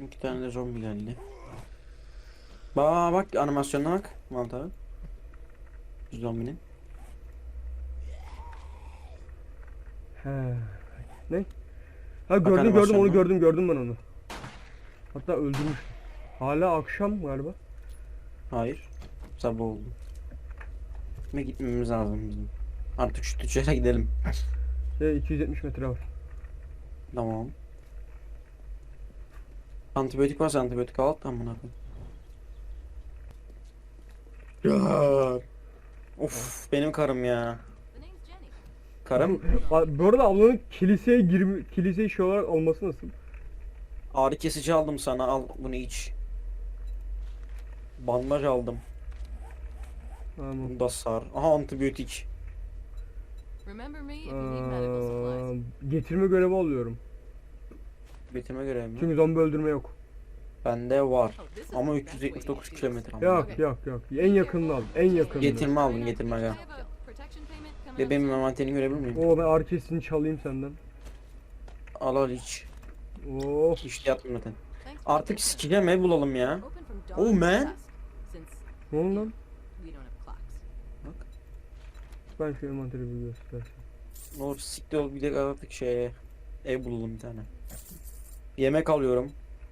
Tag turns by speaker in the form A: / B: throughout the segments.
A: İki tane de zombi geldi. Bak animasyonuna bak. Mantığı. Zombinin.
B: He. Ne? Ha
A: Bak
B: gördüm onu
A: animasyonuna.
B: gördüm ben onu. Hatta öldürmüş. Hala akşam galiba.
A: Hayır. Sabah oldu. Ve gitmemiz lazım bizim. Artık şu tüccara gidelim.
B: 270 metre var.
A: Tamam. Antibiyotik varsa antibiyotik al. Tamam ya. Of benim karım ya. Karım
B: Bu arada ablanın kiliseye şey olarak olması nasıl?
A: ağrı kesici aldım sana, al bunu iç. Bandaj aldım.
B: Tamam.
A: Bunu da sar. Aha antibiyotik.
B: Getirme görevi alıyorum.
A: Getirme görevi mi?
B: Çünkü zombi öldürme yok.
A: Bende var. Ama 379 kilometre ama.
B: Yok. En yakınını al. En yakınını.
A: Getirme aldım, getirme gel. Bebeğimin envanterini görebilir miyim?
B: Oo ben arkesini çalayım senden.
A: Al iç.
B: Oh.
A: İşte yaptım zaten. Artık sikeceğim ev bulalım ya. Oh man.
B: Ne oldu lan?
A: Bak.
B: Ben şu envanteri bir göstereyim.
A: Ne olur siktir ol, bir de artık ev bulalım bir tane. Yemek alıyorum.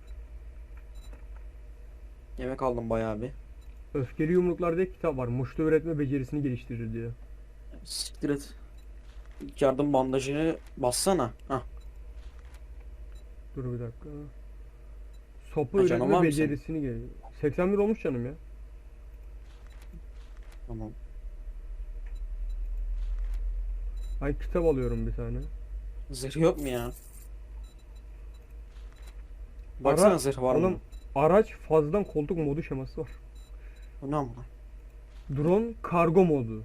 A: Yemek aldım bayağı bir.
B: Öfkeli Yumruklar diye kitap var. Muştu üretme becerisini geliştirir diyor.
A: Siktir et. İlk yardım bandajını bassana. Hah.
B: Dur bir dakika. Sopa
A: Ha, canım var
B: üretme
A: mı senin?
B: becerisini gel. 81 olmuş canım ya.
A: Tamam.
B: Ay kitap alıyorum bir tane.
A: Zırh yok mu ya? Baksana zırh var
B: oğlum,
A: mı?
B: araç fazladan koltuk modu şeması var.
A: Bu ne ama?
B: Drone kargo modu.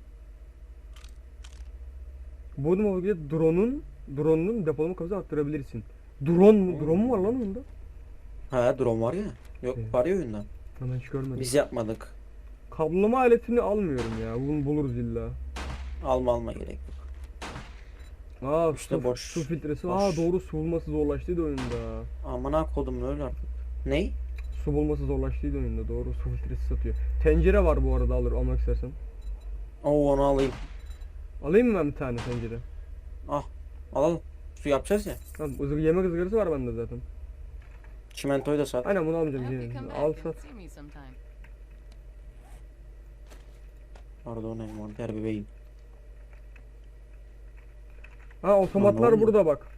B: Bu modda drone'un depolama kapasitesini arttırabilirsin. Drone mu var lan onda?
A: He drone var ya. Yok
B: Evet.
A: var ya oyunda.
B: Ben hiç görmedim.
A: Biz yapmadık.
B: Kablolama aletini almıyorum ya. Bunu buluruz illa.
A: Alma gerek yok.
B: Aa
A: İşte boş.
B: su filtresi.
A: Boş.
B: Aa doğru, su bulması zorlaştıydı oyunda.
A: Amına kodum öyle artık. Ney?
B: Su bulması zorlaştıydı oyunda. Doğru, su filtresi satıyor. Tencere var bu arada, almak istersen.
A: Oo onu alayım.
B: Alayım mı ben bir tane tencere?
A: Ah. Alalım. Su yapacağız ya.
B: Tamam, yemek ızgarası var bende zaten.
A: Çimentoyu da sat.
B: Aynen bunu almayacağım. Al sat.
A: Pardon envanter bebeğim.
B: Ha otomatlar
A: oldu?
B: burada bak.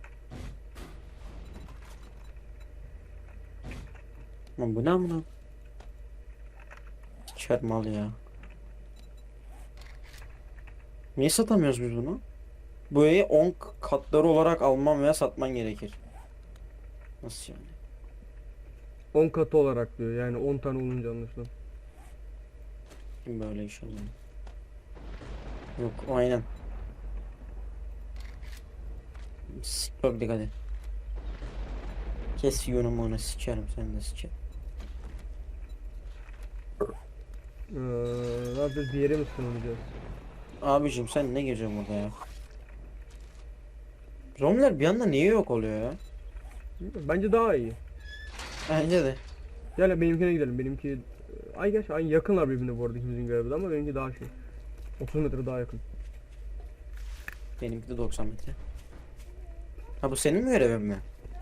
A: Lan bu ne amına? Siker mal ya. Niye satamıyoruz biz bunu? Bu evi 10 katları olarak alman veya satman gerekir. Nasıl yani?
B: 10 katı olarak diyor. Yani 10 tane olunca anlaşılan.
A: Kim böyle iş alıyor? Yok aynen. Çok dikkat et. Kes yonumu onu sikerim sen de sikerim.
B: Ne yapacağız? Bir yere mi sınırlayacağız?
A: Abicim sen ne geziyorsun burada ya? Zombiler bir anda niye yok oluyor ya?
B: Bence daha iyi.
A: Bence de.
B: Gel benimkine gidelim. Benimki ay gerçi aynı, yakınlar birbirine bu arada ikimizin görevi de, ama benimki daha şey. 30 metre daha yakın.
A: Benimki de 90 metre. Ha bu senin mi görevin mi?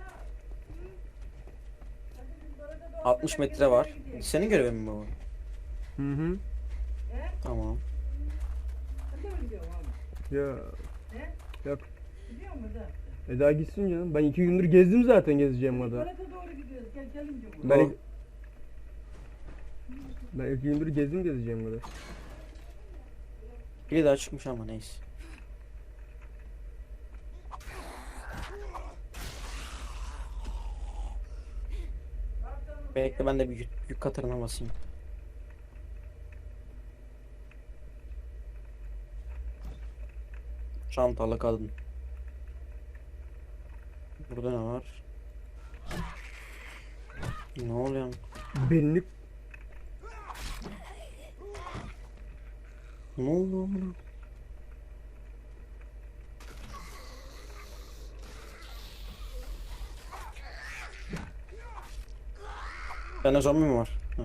A: 60 metre var. Senin görevin mi bu?
B: Hı hı.
A: Tamam.
B: Ya. Yok. Daha gitsin canım. Ben 2 gündür gezdim zaten, gezeceğim kadar. Ben ben 2 gündür gezeceğim kadar.
A: Biri daha çıkmış ama neyse. Bekle ben de bir yük katırına basayım. Çantalı kadın. Burada ne var? Ne oluyor?
B: Benlik
A: Ne oldu amına? Bende zombi mi var? Ha.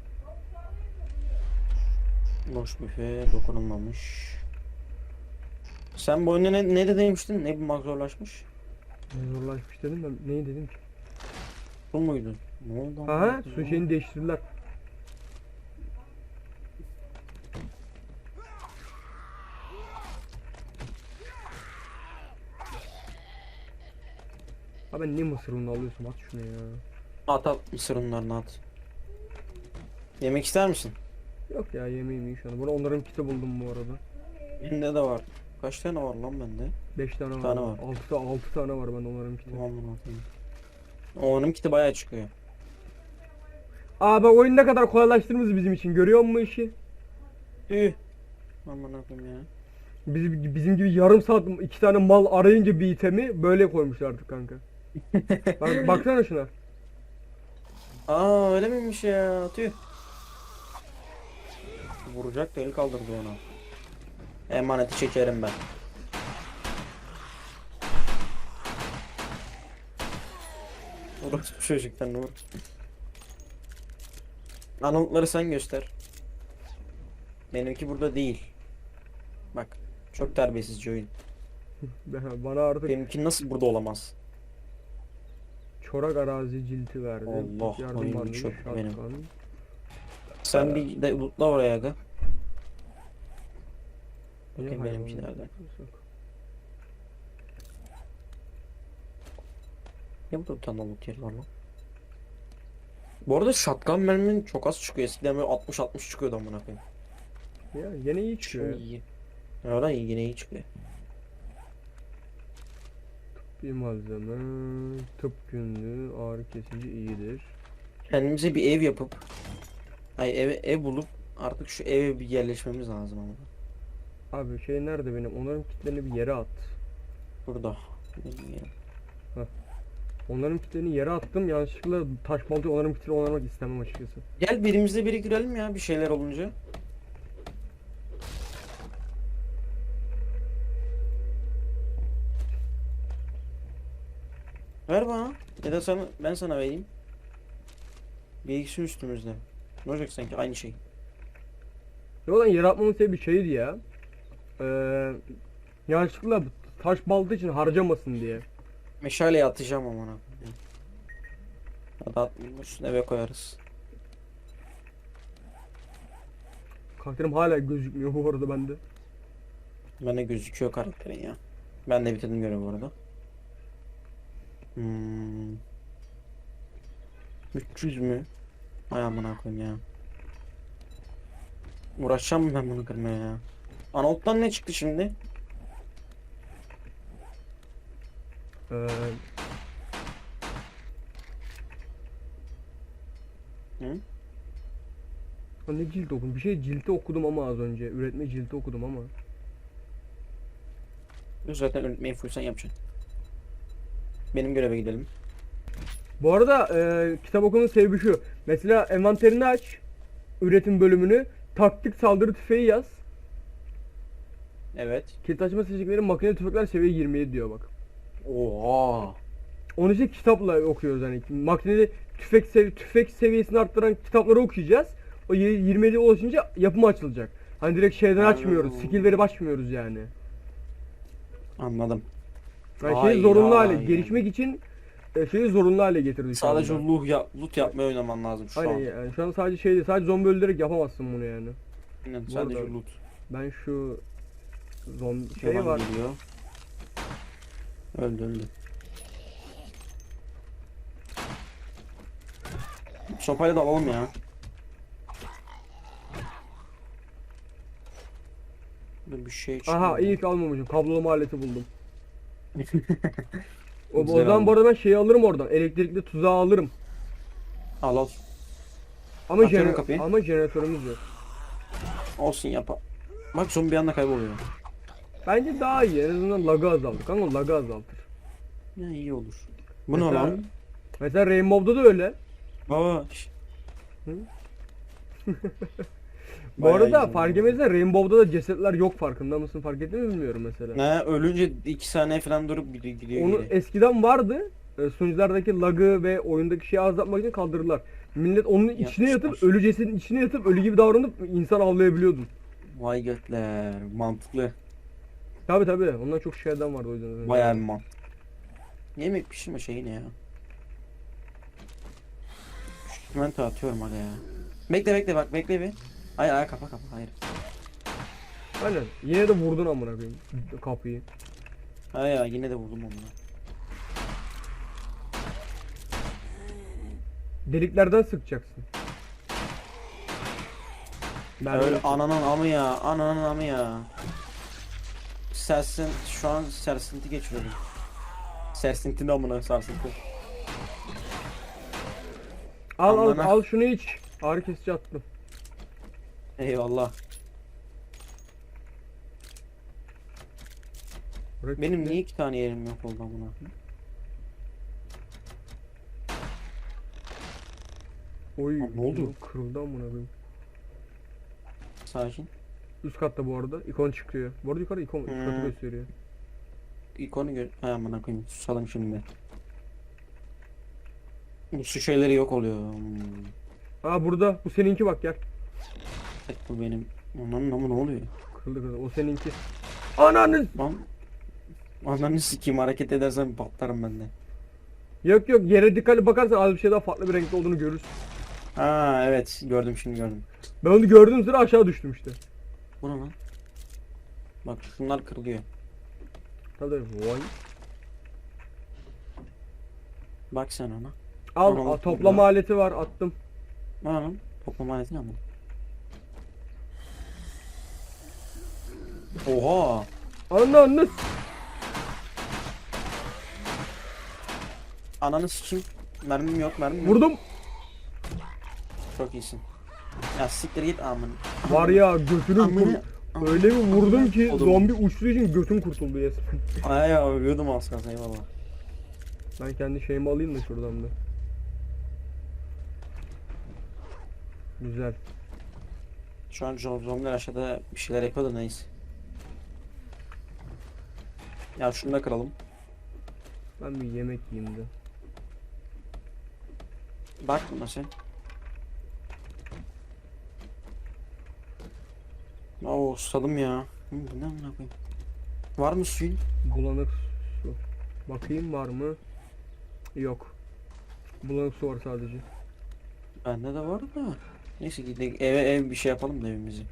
A: Boş büfe dokunulmamış. Sen bu oyunda ne de demiştin? Ne bulmak zorlaşmış?
B: Zorlaşmış dedim ben. Neyi dedim ki?
A: Bu muydu? Ne oldu?
B: Aha, su şeyini değiştirdiler. Ha ben niye mısır ununu alıyorsun? At şunu ya.
A: At mısır unlarını at. Yemek ister misin?
B: Yok ya, yemeğim iyi şu an. Bunu onların kiti buldum bu arada.
A: Bende de var. Kaç tane var lan bende?
B: 5 tane var.
A: tane var.
B: 6 tane var bende onların kiti.
A: Tamam bunu atayım. Onun kiti bayağı çıkıyor.
B: Aa bak, oyun ne kadar kolaylaştırmış bizim için. Görüyor musun işi?
A: Üh. Aman akım ya.
B: Bizim gibi yarım saat 2 tane mal arayınca bir itemi böyle koymuşlar artık kanka. Bak, baksana şuna.
A: Aa öyle miymiş ya? Tüh. Vuracak da el kaldırdı ona. Emaneti çekerim ben. Orası bu çocuktan vur. Anıtları sen göster. Benimki burada değil. Bak. Çok terbiyesizce oyun.
B: Bana artık
A: Benimki nasıl burada olamaz?
B: çorak arazi cilti verdi.
A: Allah,
B: Yardım
A: oyun
B: varmış,
A: çok
B: şatkan.
A: benim. Sen bir de lootla oraya aga.
B: Niye
A: Bakayım
B: hayvan
A: benimki nerede?
B: yapıyorsun?
A: Ya burada bir tane loot yeri var lan. Bu arada shotgun merminin çok az çıkıyor. Eskiden böyle 60 çıkıyordu amına koyayım.
B: Ya yine iyi çıkıyor.
A: Şu iyi. Ya da iyi, yine iyi çıkıyor.
B: Bir malzeme, tıp günlüğü, ağrı kesici iyidir.
A: Kendimize bir ev yapıp ev bulup artık şu eve bir yerleşmemiz lazım ama.
B: Abi şey nerede benim? Onların kitlerini bir yere at.
A: Burada. Bilmiyorum.
B: Onların kitlerini yere attım. Yanlışlıkla taş baltayı onların kitlerini onarmak istemem açıkçası.
A: Gel birimizde biriktirelim ya bir şeyler olunca. Ver bana. Ya da ben sana vereyim. Bilgisi üstümüzde. Ne olacak sanki aynı şey.
B: Ya lan yere atmamın sebebi bir şeydi ya. Yanlışlıkla taş balta için harcamasın diye.
A: Meşaleyi atacağım amına. Ya da atmışsın eve koyarız.
B: Karakterim hala gözükmüyor bu arada bende.
A: Bende gözüküyor karakterin ya. Ben de bitirdim görevi bu arada. 300 mü? Ay amına koyayım ya. Uğraşacağım mı ben bunu kırmaya ya? Anolt'tan ne çıktı şimdi?
B: Ee,
A: Hı?
B: Ne cilt okudum? Bir şey cilti okudum ama az önce. Üretme cilti okudum ama.
A: Zaten öğretmeyi full sen yapacaksın. Benim göreve gidelim.
B: Bu arada kitap okumanın sebebi şu. Mesela envanterini aç. Üretim bölümünü. Taktik saldırı tüfeği yaz.
A: Evet.
B: Kilit açma seçenekleri makineli tüfekler seviye 27 diyor bak.
A: Oha.
B: Onu işte kitapla okuyoruz hani. Makineli tüfek seviyesini arttıran kitapları okuyacağız. O 27'ye ulaşınca yapımı açılacak. Hani direkt şeyden açmıyoruz. Skill verip açmıyoruz yani.
A: Anladım.
B: Yani
A: Ay,
B: şeyi zorunlu hale,
A: ay,
B: gelişmek için şeyi zorunlu hale getirdik şu
A: Sadece
B: anda.
A: loot yapmaya oynaman lazım şu
B: Aynen
A: an.
B: yani şu an sadece şey değil, sadece zombi öldürerek yapamazsın bunu yani.
A: Aynen,
B: Bu
A: sadece
B: arada-
A: loot.
B: Ben şu zombi şey
A: Yalan
B: var.
A: geliyor. Öldü. Sopayla da alalım ya. Dur bir şey çıkıyor.
B: Aha iyi ki almamışım. Kablolama aleti buldum. O
A: Güzel
B: zaman bu
A: oldu.
B: arada ben şeyi alırım oradan. Elektrikli tuzağı alırım.
A: Al.
B: Ama
A: Açıyorum kapıyı.
B: ama jeneratörümüz yok.
A: Olsun yap. Bak zombi bir anda kayboluyor.
B: Bence daha iyi. En azından lagı azaltır. Kanka lagı azaltır.
A: Ya iyi olur. Bu ne
B: Mesela-
A: lan?
B: Mesela Rainbow'da da öyle.
A: Baba.
B: Bu
A: Bayağı
B: arada
A: iyi
B: fark
A: zombi.
B: etmezsen Rainbow'da da cesetler yok, farkında mısın? Fark ettin mi bilmiyorum mesela.
A: Ne ölünce 2 saniye falan durup gidiyor
B: Onu
A: geri.
B: eskiden vardı. sunuculardaki lag'ı ve oyundaki şeyi azaltmak için kaldırdılar. Millet onun içine yatıp,
A: Yapmışlar.
B: ölü cesedin içine yatıp ölü gibi davranıp insan avlayabiliyordun.
A: Vay götler. Mantıklı.
B: Tabi ondan çok şeyden vardı o yüzden.
A: Bayağı bir man. Yemek pişirme şeyi ne ya? Çimento atıyorum hadi ya. Bekle bak bekle bir. Hayır kapa hayır.
B: Aynen. Yine de vurdun amına koyayım kapıyı.
A: Hayır yine de vurdum onu.
B: Deliklerden sıkacaksın. Ben
A: Öyle ananın amı ya. Ananın amı ya. Şu an sersinti geçiriyorum. Sersinti ne amına sarsıntı. Amına.
B: al şunu iç. Ağrı kesici attım.
A: Eyvallah.
B: Bırak
A: Benim
B: işte.
A: niye 2 tane yerim yok oldu amına?
B: Oy,
A: Lan ne oldu?
B: Kırıldı amına koyayım.
A: Sakin.
B: Üst katta bu arada ikon çıkıyor. Bu arada yukarı ikon üst katı
A: Hmm.
B: gösteriyor.
A: İkonu gör. Hay amına koyayım. Susalım şimdi. Bu su şeyleri yok oluyor.
B: Aa burada bu seninki bak gel.
A: Tek bu benim. Ananın amı ne oluyor?
B: Kırıldı o seninki. Ananı.
A: Lan. Ananı sikeyim hareket edersen patlarım ben de.
B: Yok yere dikkatli bakarsan az bir şey daha farklı bir renkte olduğunu görürsün.
A: Ha evet gördüm şimdi gördüm.
B: Ben onu gördüğüm sıra aşağı düştüm işte.
A: Bu ne lan? Bak şunlar kırılıyor.
B: Tabii vay.
A: Bak sen ona.
B: Al toplama aleti var attım.
A: Ne lan? Toplama aleti ne ama? Oha!
B: Ananı.
A: Ananı sikeyim. Mermim yok.
B: Vurdum.
A: Çok iyisin. Ya siktir git amın.
B: Var ya götünü
A: Amına.
B: öyle bir vurdum ki
A: Oğlum.
B: zombi uçtuğu için götüm kurtuldu resmen.
A: Ay ya ölüyordum az kalsın eyvallah.
B: Ben kendi şeyimi alayım da şuradan da. Güzel.
A: Şu an zombiler aşağıda bir şeyler yapıyor da neyse. Ya şunu da kıralım.
B: Ben bir yemek yiyeyim de.
A: Bak buna sen. Oo susadım ya. Bu ne amına koyayım? Var mı suyun?
B: Bulanık su. Bakayım var mı? Yok. Bulanık su var sadece.
A: Bende de var da. Neyse gidelim ev bir şey yapalım da evimizi.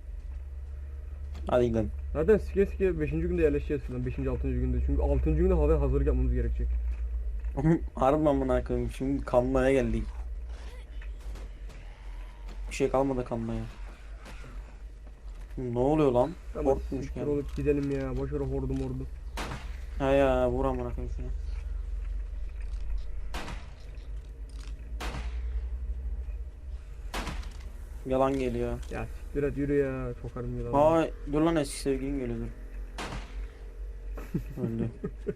A: Hadi gidelim.
B: Zaten sike 5. günde yerleşeceğiz falan. 5. 6. günde. Çünkü 6. günde hava hazırlık yapmamız gerekecek.
A: Harbi amına koyayım. Şimdi kanmaya geldik. Bir şey kalmadı kanmaya. Ne oluyor lan?
B: Tamam.
A: Korkmuş
B: Siktir
A: yani.
B: olup gidelim ya. Boş ver hordum ordu.
A: Ha ya vur amına koyayım şuna. Yalan geliyor.
B: Ya siktir et yürü ya. Sokarım yılanı.
A: Aa dur lan eski sevgilin geliyor dur. Öldü.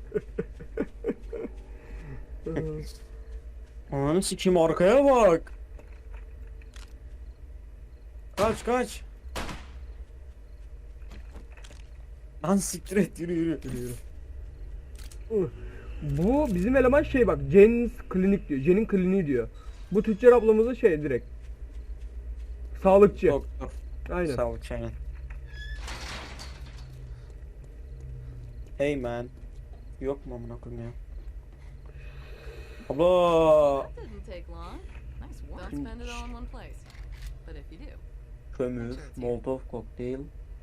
A: Ananı sikeyim arkaya bak. Kaç. Lan siktir et yürü.
B: Yürü, yürü. Bu bizim eleman şey bak. Jen's klinik diyor. Jen'in kliniği diyor. Bu tüccar ablamızın şey direkt. Sağlıkçı.
A: Doktor.
B: Aynen.
A: Sağlık aynen. Hey man. Yok mu amına koyayım ya? Abla.
C: That didn't take long. Nice work. Don't spend it all in one place. But if you do,
A: Kömür, molotov kokteyl.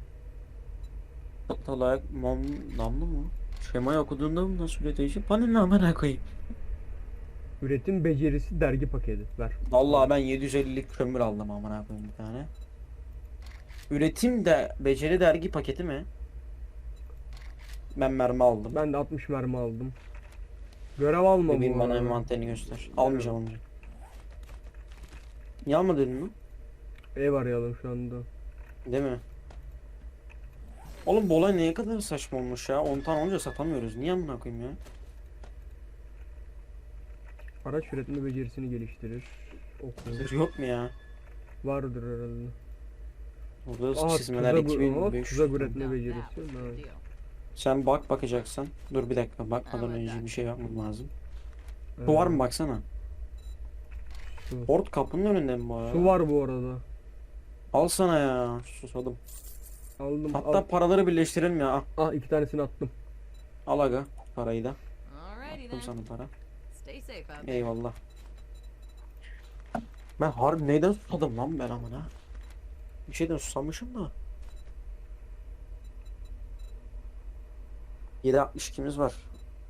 A: Tatalak, namlu mu? Şemayı okuduğunda mı nasıl üretici? Bana ne amına koyayım?
B: Üretim becerisi dergi paketi. Ver.
A: Vallahi ben 750'lik kömür aldım amına koyayım bir tane. Üretim de beceri dergi paketi mi? Ben mermi aldım.
B: Ben de 60 mermi aldım. Görev alma bu
A: Bebeğim bana
B: arada.
A: envanterini göster. Almayacağım. Niye almadın mı?
B: Ev arayalım şu anda.
A: Değil mi? Oğlum bu olay neye kadar saçma olmuş ya? 10 tane olunca satamıyoruz. Niye amına koyayım ya?
B: Araç üretme becerisini geliştirir. Oku.
A: Yok mu ya?
B: Vardır herhalde.
A: Burada
B: Aa,
A: çizmeler
B: tuzak
A: 2500.
B: üretme
C: now
B: becerisi.
C: that was a
B: Ha.
C: good deal.
A: Sen bakacaksan. Dur bir dakika bakmadan önce bir şey yapmam lazım. Su var mı baksana.
B: Su.
A: Port kapının önünde mi bu arada?
B: Su var bu arada.
A: Al sana ya. Susadım.
B: Aldım.
A: Hatta paraları birleştirelim ya. Al,
B: 2 tanesini attım.
A: al aga parayı da.
C: Alrighty
A: Attım
C: then.
A: sana para.
C: Stay safe out there.
A: Eyvallah. Ben harbi neyden susadım lan ben amına? Bir şeyden susamışım da. 7.62'miz var.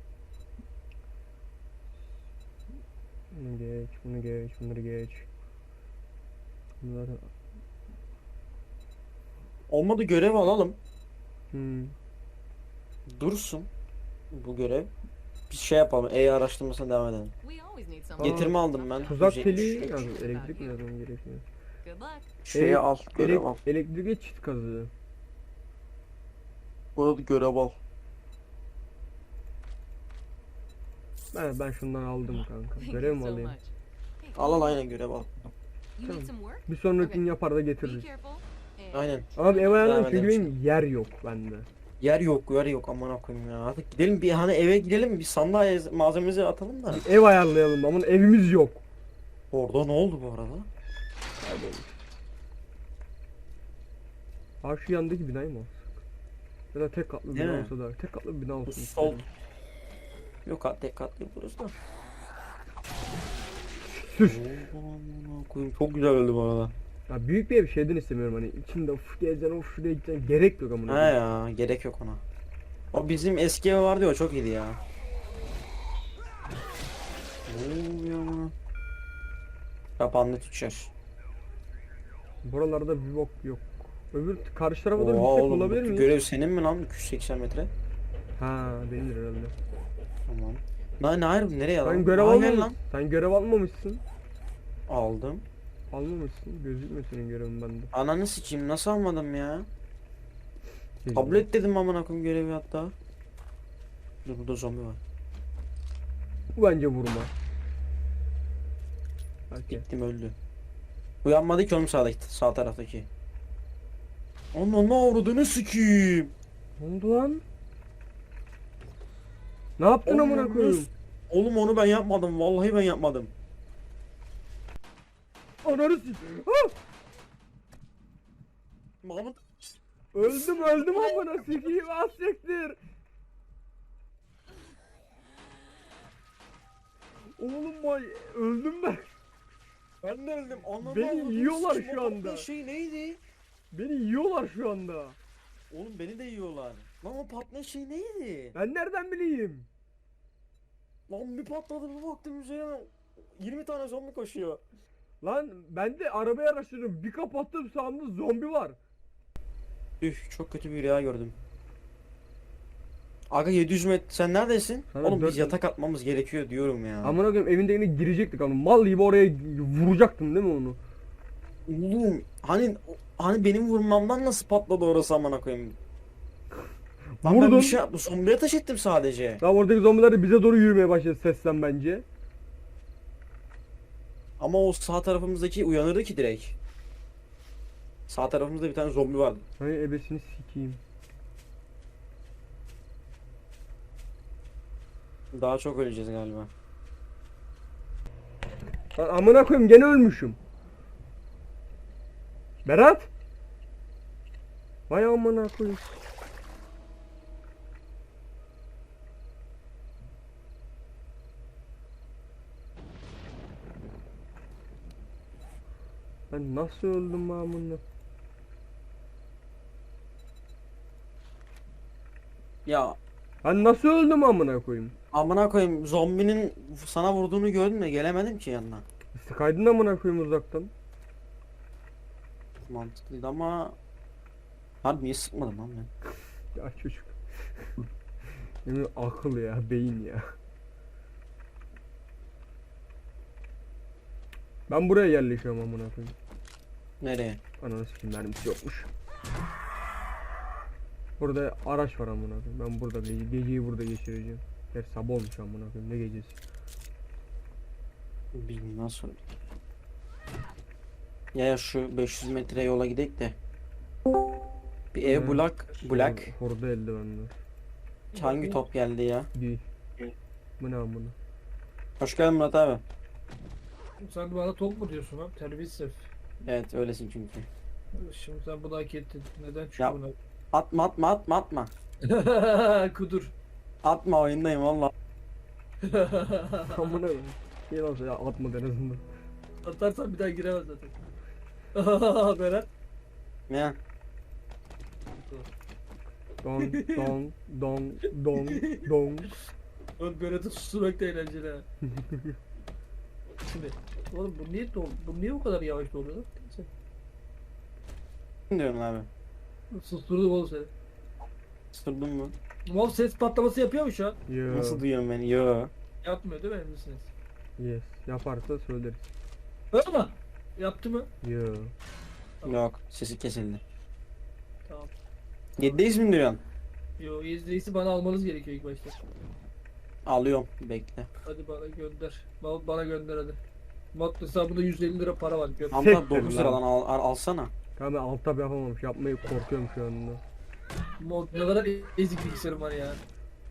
B: Bunu geç, bunu geç, bunları geç. Bunları...
A: Olmadı görev alalım.
B: Hmm.
A: Dursun bu görev. Bir şey yapalım. araştırmasına devam edelim.
C: We always need someone.
A: Getirme aldım ben.
B: Tuzak
A: 173.
B: teli yazdım. Elektrik mi yazmam gerekiyor?
C: Good luck.
A: Şeyi al. Görev al.
B: Elektrik çift kazığı.
A: Burada görev al.
B: Ben şundan aldım kanka.
C: Thank
B: Görev
C: you
B: mi
C: so
B: alayım?
C: much. Hey,
A: Al al aynen görev al.
C: You need some work?
B: Bir sonrakini
C: Okay.
B: yapar da
C: Be
B: getiririz.
C: careful. And
A: Aynen.
B: Abi ev ayarlarım
A: Devam
B: çünkü
A: edelim
B: benim yer yok bende.
A: Yer yok aman koyayım ya. Artık gidelim bir hani eve gidelim bir sandalye malzememizi atalım da.
B: Ev ayarlayalım ama evimiz yok.
A: Orada ne oldu bu arada?
B: Ha şu yandaki binayı mı alsak? Ya da tek katlı
A: Değil
B: bina
A: mi?
B: olsa da tek katlı bir bina
A: Bu
B: olsun.
A: sol.
B: istedim.
A: Yok tek katlı burası da.
B: Sür.
A: Aman koyayım çok güzel öldü bu arada.
B: Ya büyük bir ev şeyden istemiyorum hani içinde uf gezeceksin uf şuraya gideceksin gerek yok amına
A: He
B: koyayım.
A: ya gerek yok ona. O bizim eski ev vardı ya o çok iyiydi ya. Ne oluyor ama? Kapandı tüccar.
B: Buralarda bir bok yok. Öbür karşı tarafa da bir
A: Oha
B: gitsek
A: oğlum
B: olabilir
A: bu
B: mi?
A: görev senin mi lan 280 metre?
B: Ha benimdir herhalde.
A: Tamam. Ne ayrı nereye
B: Sen
A: alalım?
B: görev
A: Aa, gel
B: almamışsın. Sen görev almamışsın.
A: Aldım.
B: Almamışsın. Gözükmüyor senin görevin bende.
A: Ananı sikeyim nasıl almadım ya? Kabul et dedim amına koyayım görevi hatta. Dur burada zombi var.
B: Bu bence vurma. Belki.
A: Gittim öldü. Uyanmadı ki oğlum sağ taraftaki. Onun ne avradını sikeyim.
B: Ne oldu lan? Ne yaptın amına
A: Oğlum,
B: koyayım?
A: Oğlum onu ben yapmadım. Vallahi ben yapmadım.
B: Ananı s***. Ah!
A: Mahmut.
B: Öldüm amına sikeyim az siktir. Oğlum vay öldüm ben.
A: Ben de öldüm. Ananı
B: Beni
A: avradını
B: yiyorlar
A: sikeyim.
B: şu
A: O
B: anda.
A: patlayan şey neydi?
B: Beni yiyorlar şu anda.
A: Oğlum beni de yiyorlar. Lan o patlayan şey neydi?
B: Ben nereden bileyim?
A: Lan bir patladı bir baktım üzerine 20 tane zombi koşuyor.
B: Lan ben de arabayı araştırıyorum. Bir kapattım sağımda zombi var.
A: Üf çok kötü bir rüya gördüm. Aga 700 metre sen neredesin?
B: Sana
A: Oğlum biz
B: 400
A: yatak atmamız gerekiyor diyorum ya.
B: Amına koyayım evinde yine girecektik ama mal gibi oraya vuracaktım değil mi onu?
A: Oğlum hani benim vurmamdan nasıl patladı orası amına koyayım? Lan ben
B: Vurdun.
A: bir şey yaptım. Zombiye ateş ettim sadece.
B: Daha oradaki zombiler de bize doğru yürümeye başladı sesten bence.
A: Ama o sağ tarafımızdaki uyanırdı ki direkt. Sağ tarafımızda bir tane zombi vardı.
B: Hani ebesini sikeyim.
A: Daha çok öleceğiz galiba.
B: Lan amına koyayım gene ölmüşüm. Berat. Vay amına koyayım. Ben nasıl öldüm amına?
A: Ya
B: Ben nasıl öldüm amına koyayım?
A: amına koyayım zombinin sana vurduğunu gördüm de gelemedim ki yanına.
B: Sıkaydın amına koyayım uzaktan.
A: Mantıklıydı ama harbi niye sıkmadım lan ben?
B: Ya çocuk. Yemin akıl ya, beyin ya. Ben buraya yerleşiyorum amına koyayım.
A: Nereye?
B: Ananı sikeyim mermisi yokmuş. Burada araç var amına koyayım. Ben burada geceyi burada geçireceğim. Gerçi sabah olmuş amına koyayım. Ne gecesi?
A: Bilmiyorum nasıl. Ya şu 500 metre yola gidek de. Bir ev
B: Evet.
A: bulak.
B: Horda eldivenler.
A: Hangi top geldi ya?
B: Değil. Bu ne amına?
A: Hoş geldin Murat abi.
D: Sen bana tok mu diyorsun lan? Terbiyesiz.
A: Evet öylesin çünkü.
D: Şimdi sen bunu hak ettin. Neden
A: Ya.
D: çünkü
A: Atma atma atma atma.
D: buna? Kudur.
A: Atma oyundayım valla.
B: Amına koyayım. Şey olsa ya atma en azından.
D: Atarsan bir daha giremez zaten. Berat.
A: Ne?
B: Don don don don don.
D: Oğlum Berat'ı susturmak da eğlenceli ha. Şimdi. Oğlum bu niye bu kadar yavaş doluyor lan? Neyse.
A: Ne diyorsun abi?
D: Susturdum oğlum seni.
A: Sırdın mı?
D: Mouse ses patlaması yapıyor mu şu an?
B: Yo.
A: Nasıl duyuyorsun beni? Yo.
D: Yapmıyor değil mi emin misiniz?
B: Yes. Yaparsa söyleriz.
D: Öyle mi? Yaptı mı?
B: Yo.
A: Yok. Sesi kesildi.
D: Tamam.
A: 7'deyiz mi diyorsun?
D: Yo izleyicisi bana almanız gerekiyor ilk başta.
A: Alıyorum. Bekle.
D: Hadi bana gönder. Bana gönder hadi. Mat hesabında 150 lira para var. Gönder.
A: Hamza
B: Sektir
A: 9
B: lan.
A: liradan alsana.
B: Tamam ben alt tab yapamamış. Yapmayı korkuyorum şu anda.
D: Mod ne kadar ezik bilgisayarım var ya.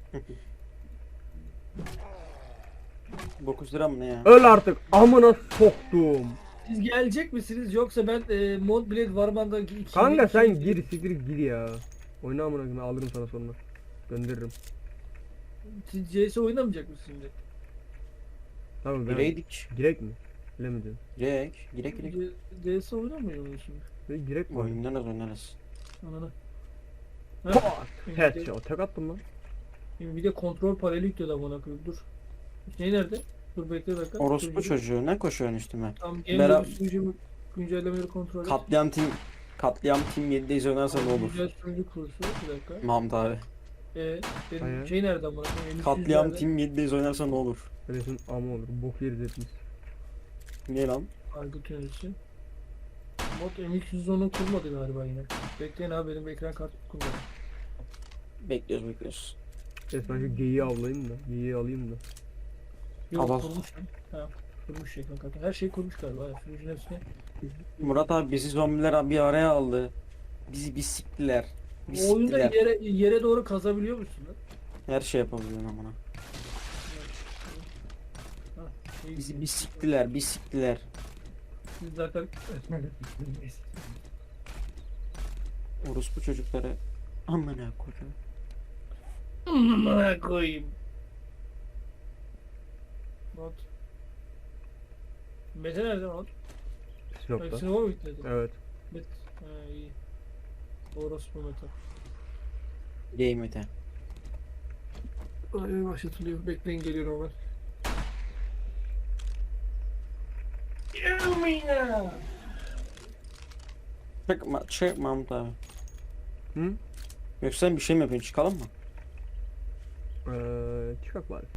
A: 9 lira mı ne ya?
B: Öl artık. Amına soktum.
D: Siz gelecek misiniz yoksa ben Mod Blade Warman'da 2
B: Kanka sen gir siktir gir ya. Oyna amına koyayım alırım sana sonra. Gönderirim.
D: Siz CS oynamayacak mısınız şimdi?
B: Tamam ben.
A: Gireydik.
B: Girek mi? Bilemedim.
A: Girek.
D: CS oynamıyor mu şimdi?
B: Ne girek mi?
A: Oynarız.
D: Ananı.
B: Pat!
D: Şimdi
B: Headshot. Tek attım lan.
D: bir de kontrol paneli yükledi amına koyayım dur. Şey nerede? Dur bekle bir dakika.
A: Orospu
D: Sunucu-
A: çocuğu ne koşuyorsun üstüme?
D: Tam
A: Bera-
D: game sunucu güncellemeleri kontrol et.
A: Katliam Team 7'deyiz oynarsa ne olur?
D: Güncel sunucu kursu bir dakika.
A: Mahmut abi.
D: Benim
B: Hayır.
D: şey nerede amına koyayım?
A: Katliam
D: nerede?
A: Team 7'deyiz oynarsa ne olur?
B: Resim ama olur. Bok yeriz hepimiz.
A: Niye lan?
D: Aygıt yöneticisi. Mod MX110'u kurmadı galiba yine. Bekleyin abi benim ekran kartı kurmadı.
A: Bekliyoruz.
B: Evet ben şu geyiği avlayayım da. Geyiği alayım da.
D: Yok
A: Allah.
D: kurmuş lan. Ha, kurmuş ekran kartı. Her şey kurmuş galiba. Ya. Sunucunun hepsine.
A: Murat abi bizi zombiler bir araya aldı. Bizi bir siktiler. Bir
D: O oyunda
A: siktiler.
D: yere doğru kazabiliyor musun lan?
A: Her şey yapabiliyorsun amına.
D: Ha, şey-
A: Bizi bir siktiler.
D: Siz zaten
A: Orospu çocukları. Amına koyayım.
D: Amına koyayım. Not. Mete nerede not?
B: Sinop'ta.
D: Hepsini o mu yükledi?
B: Evet.
D: Met. Ha iyi. Orospu Mete.
A: Game ete.
D: Ay başlatılıyor. Bekleyin geliyorum hemen. Gelmeyin.
A: Çık Mahmut abi.
B: Hı?
A: Yoksa sen bir şey mi yapıyorsun? Çıkalım mı?
B: Çıkak bari.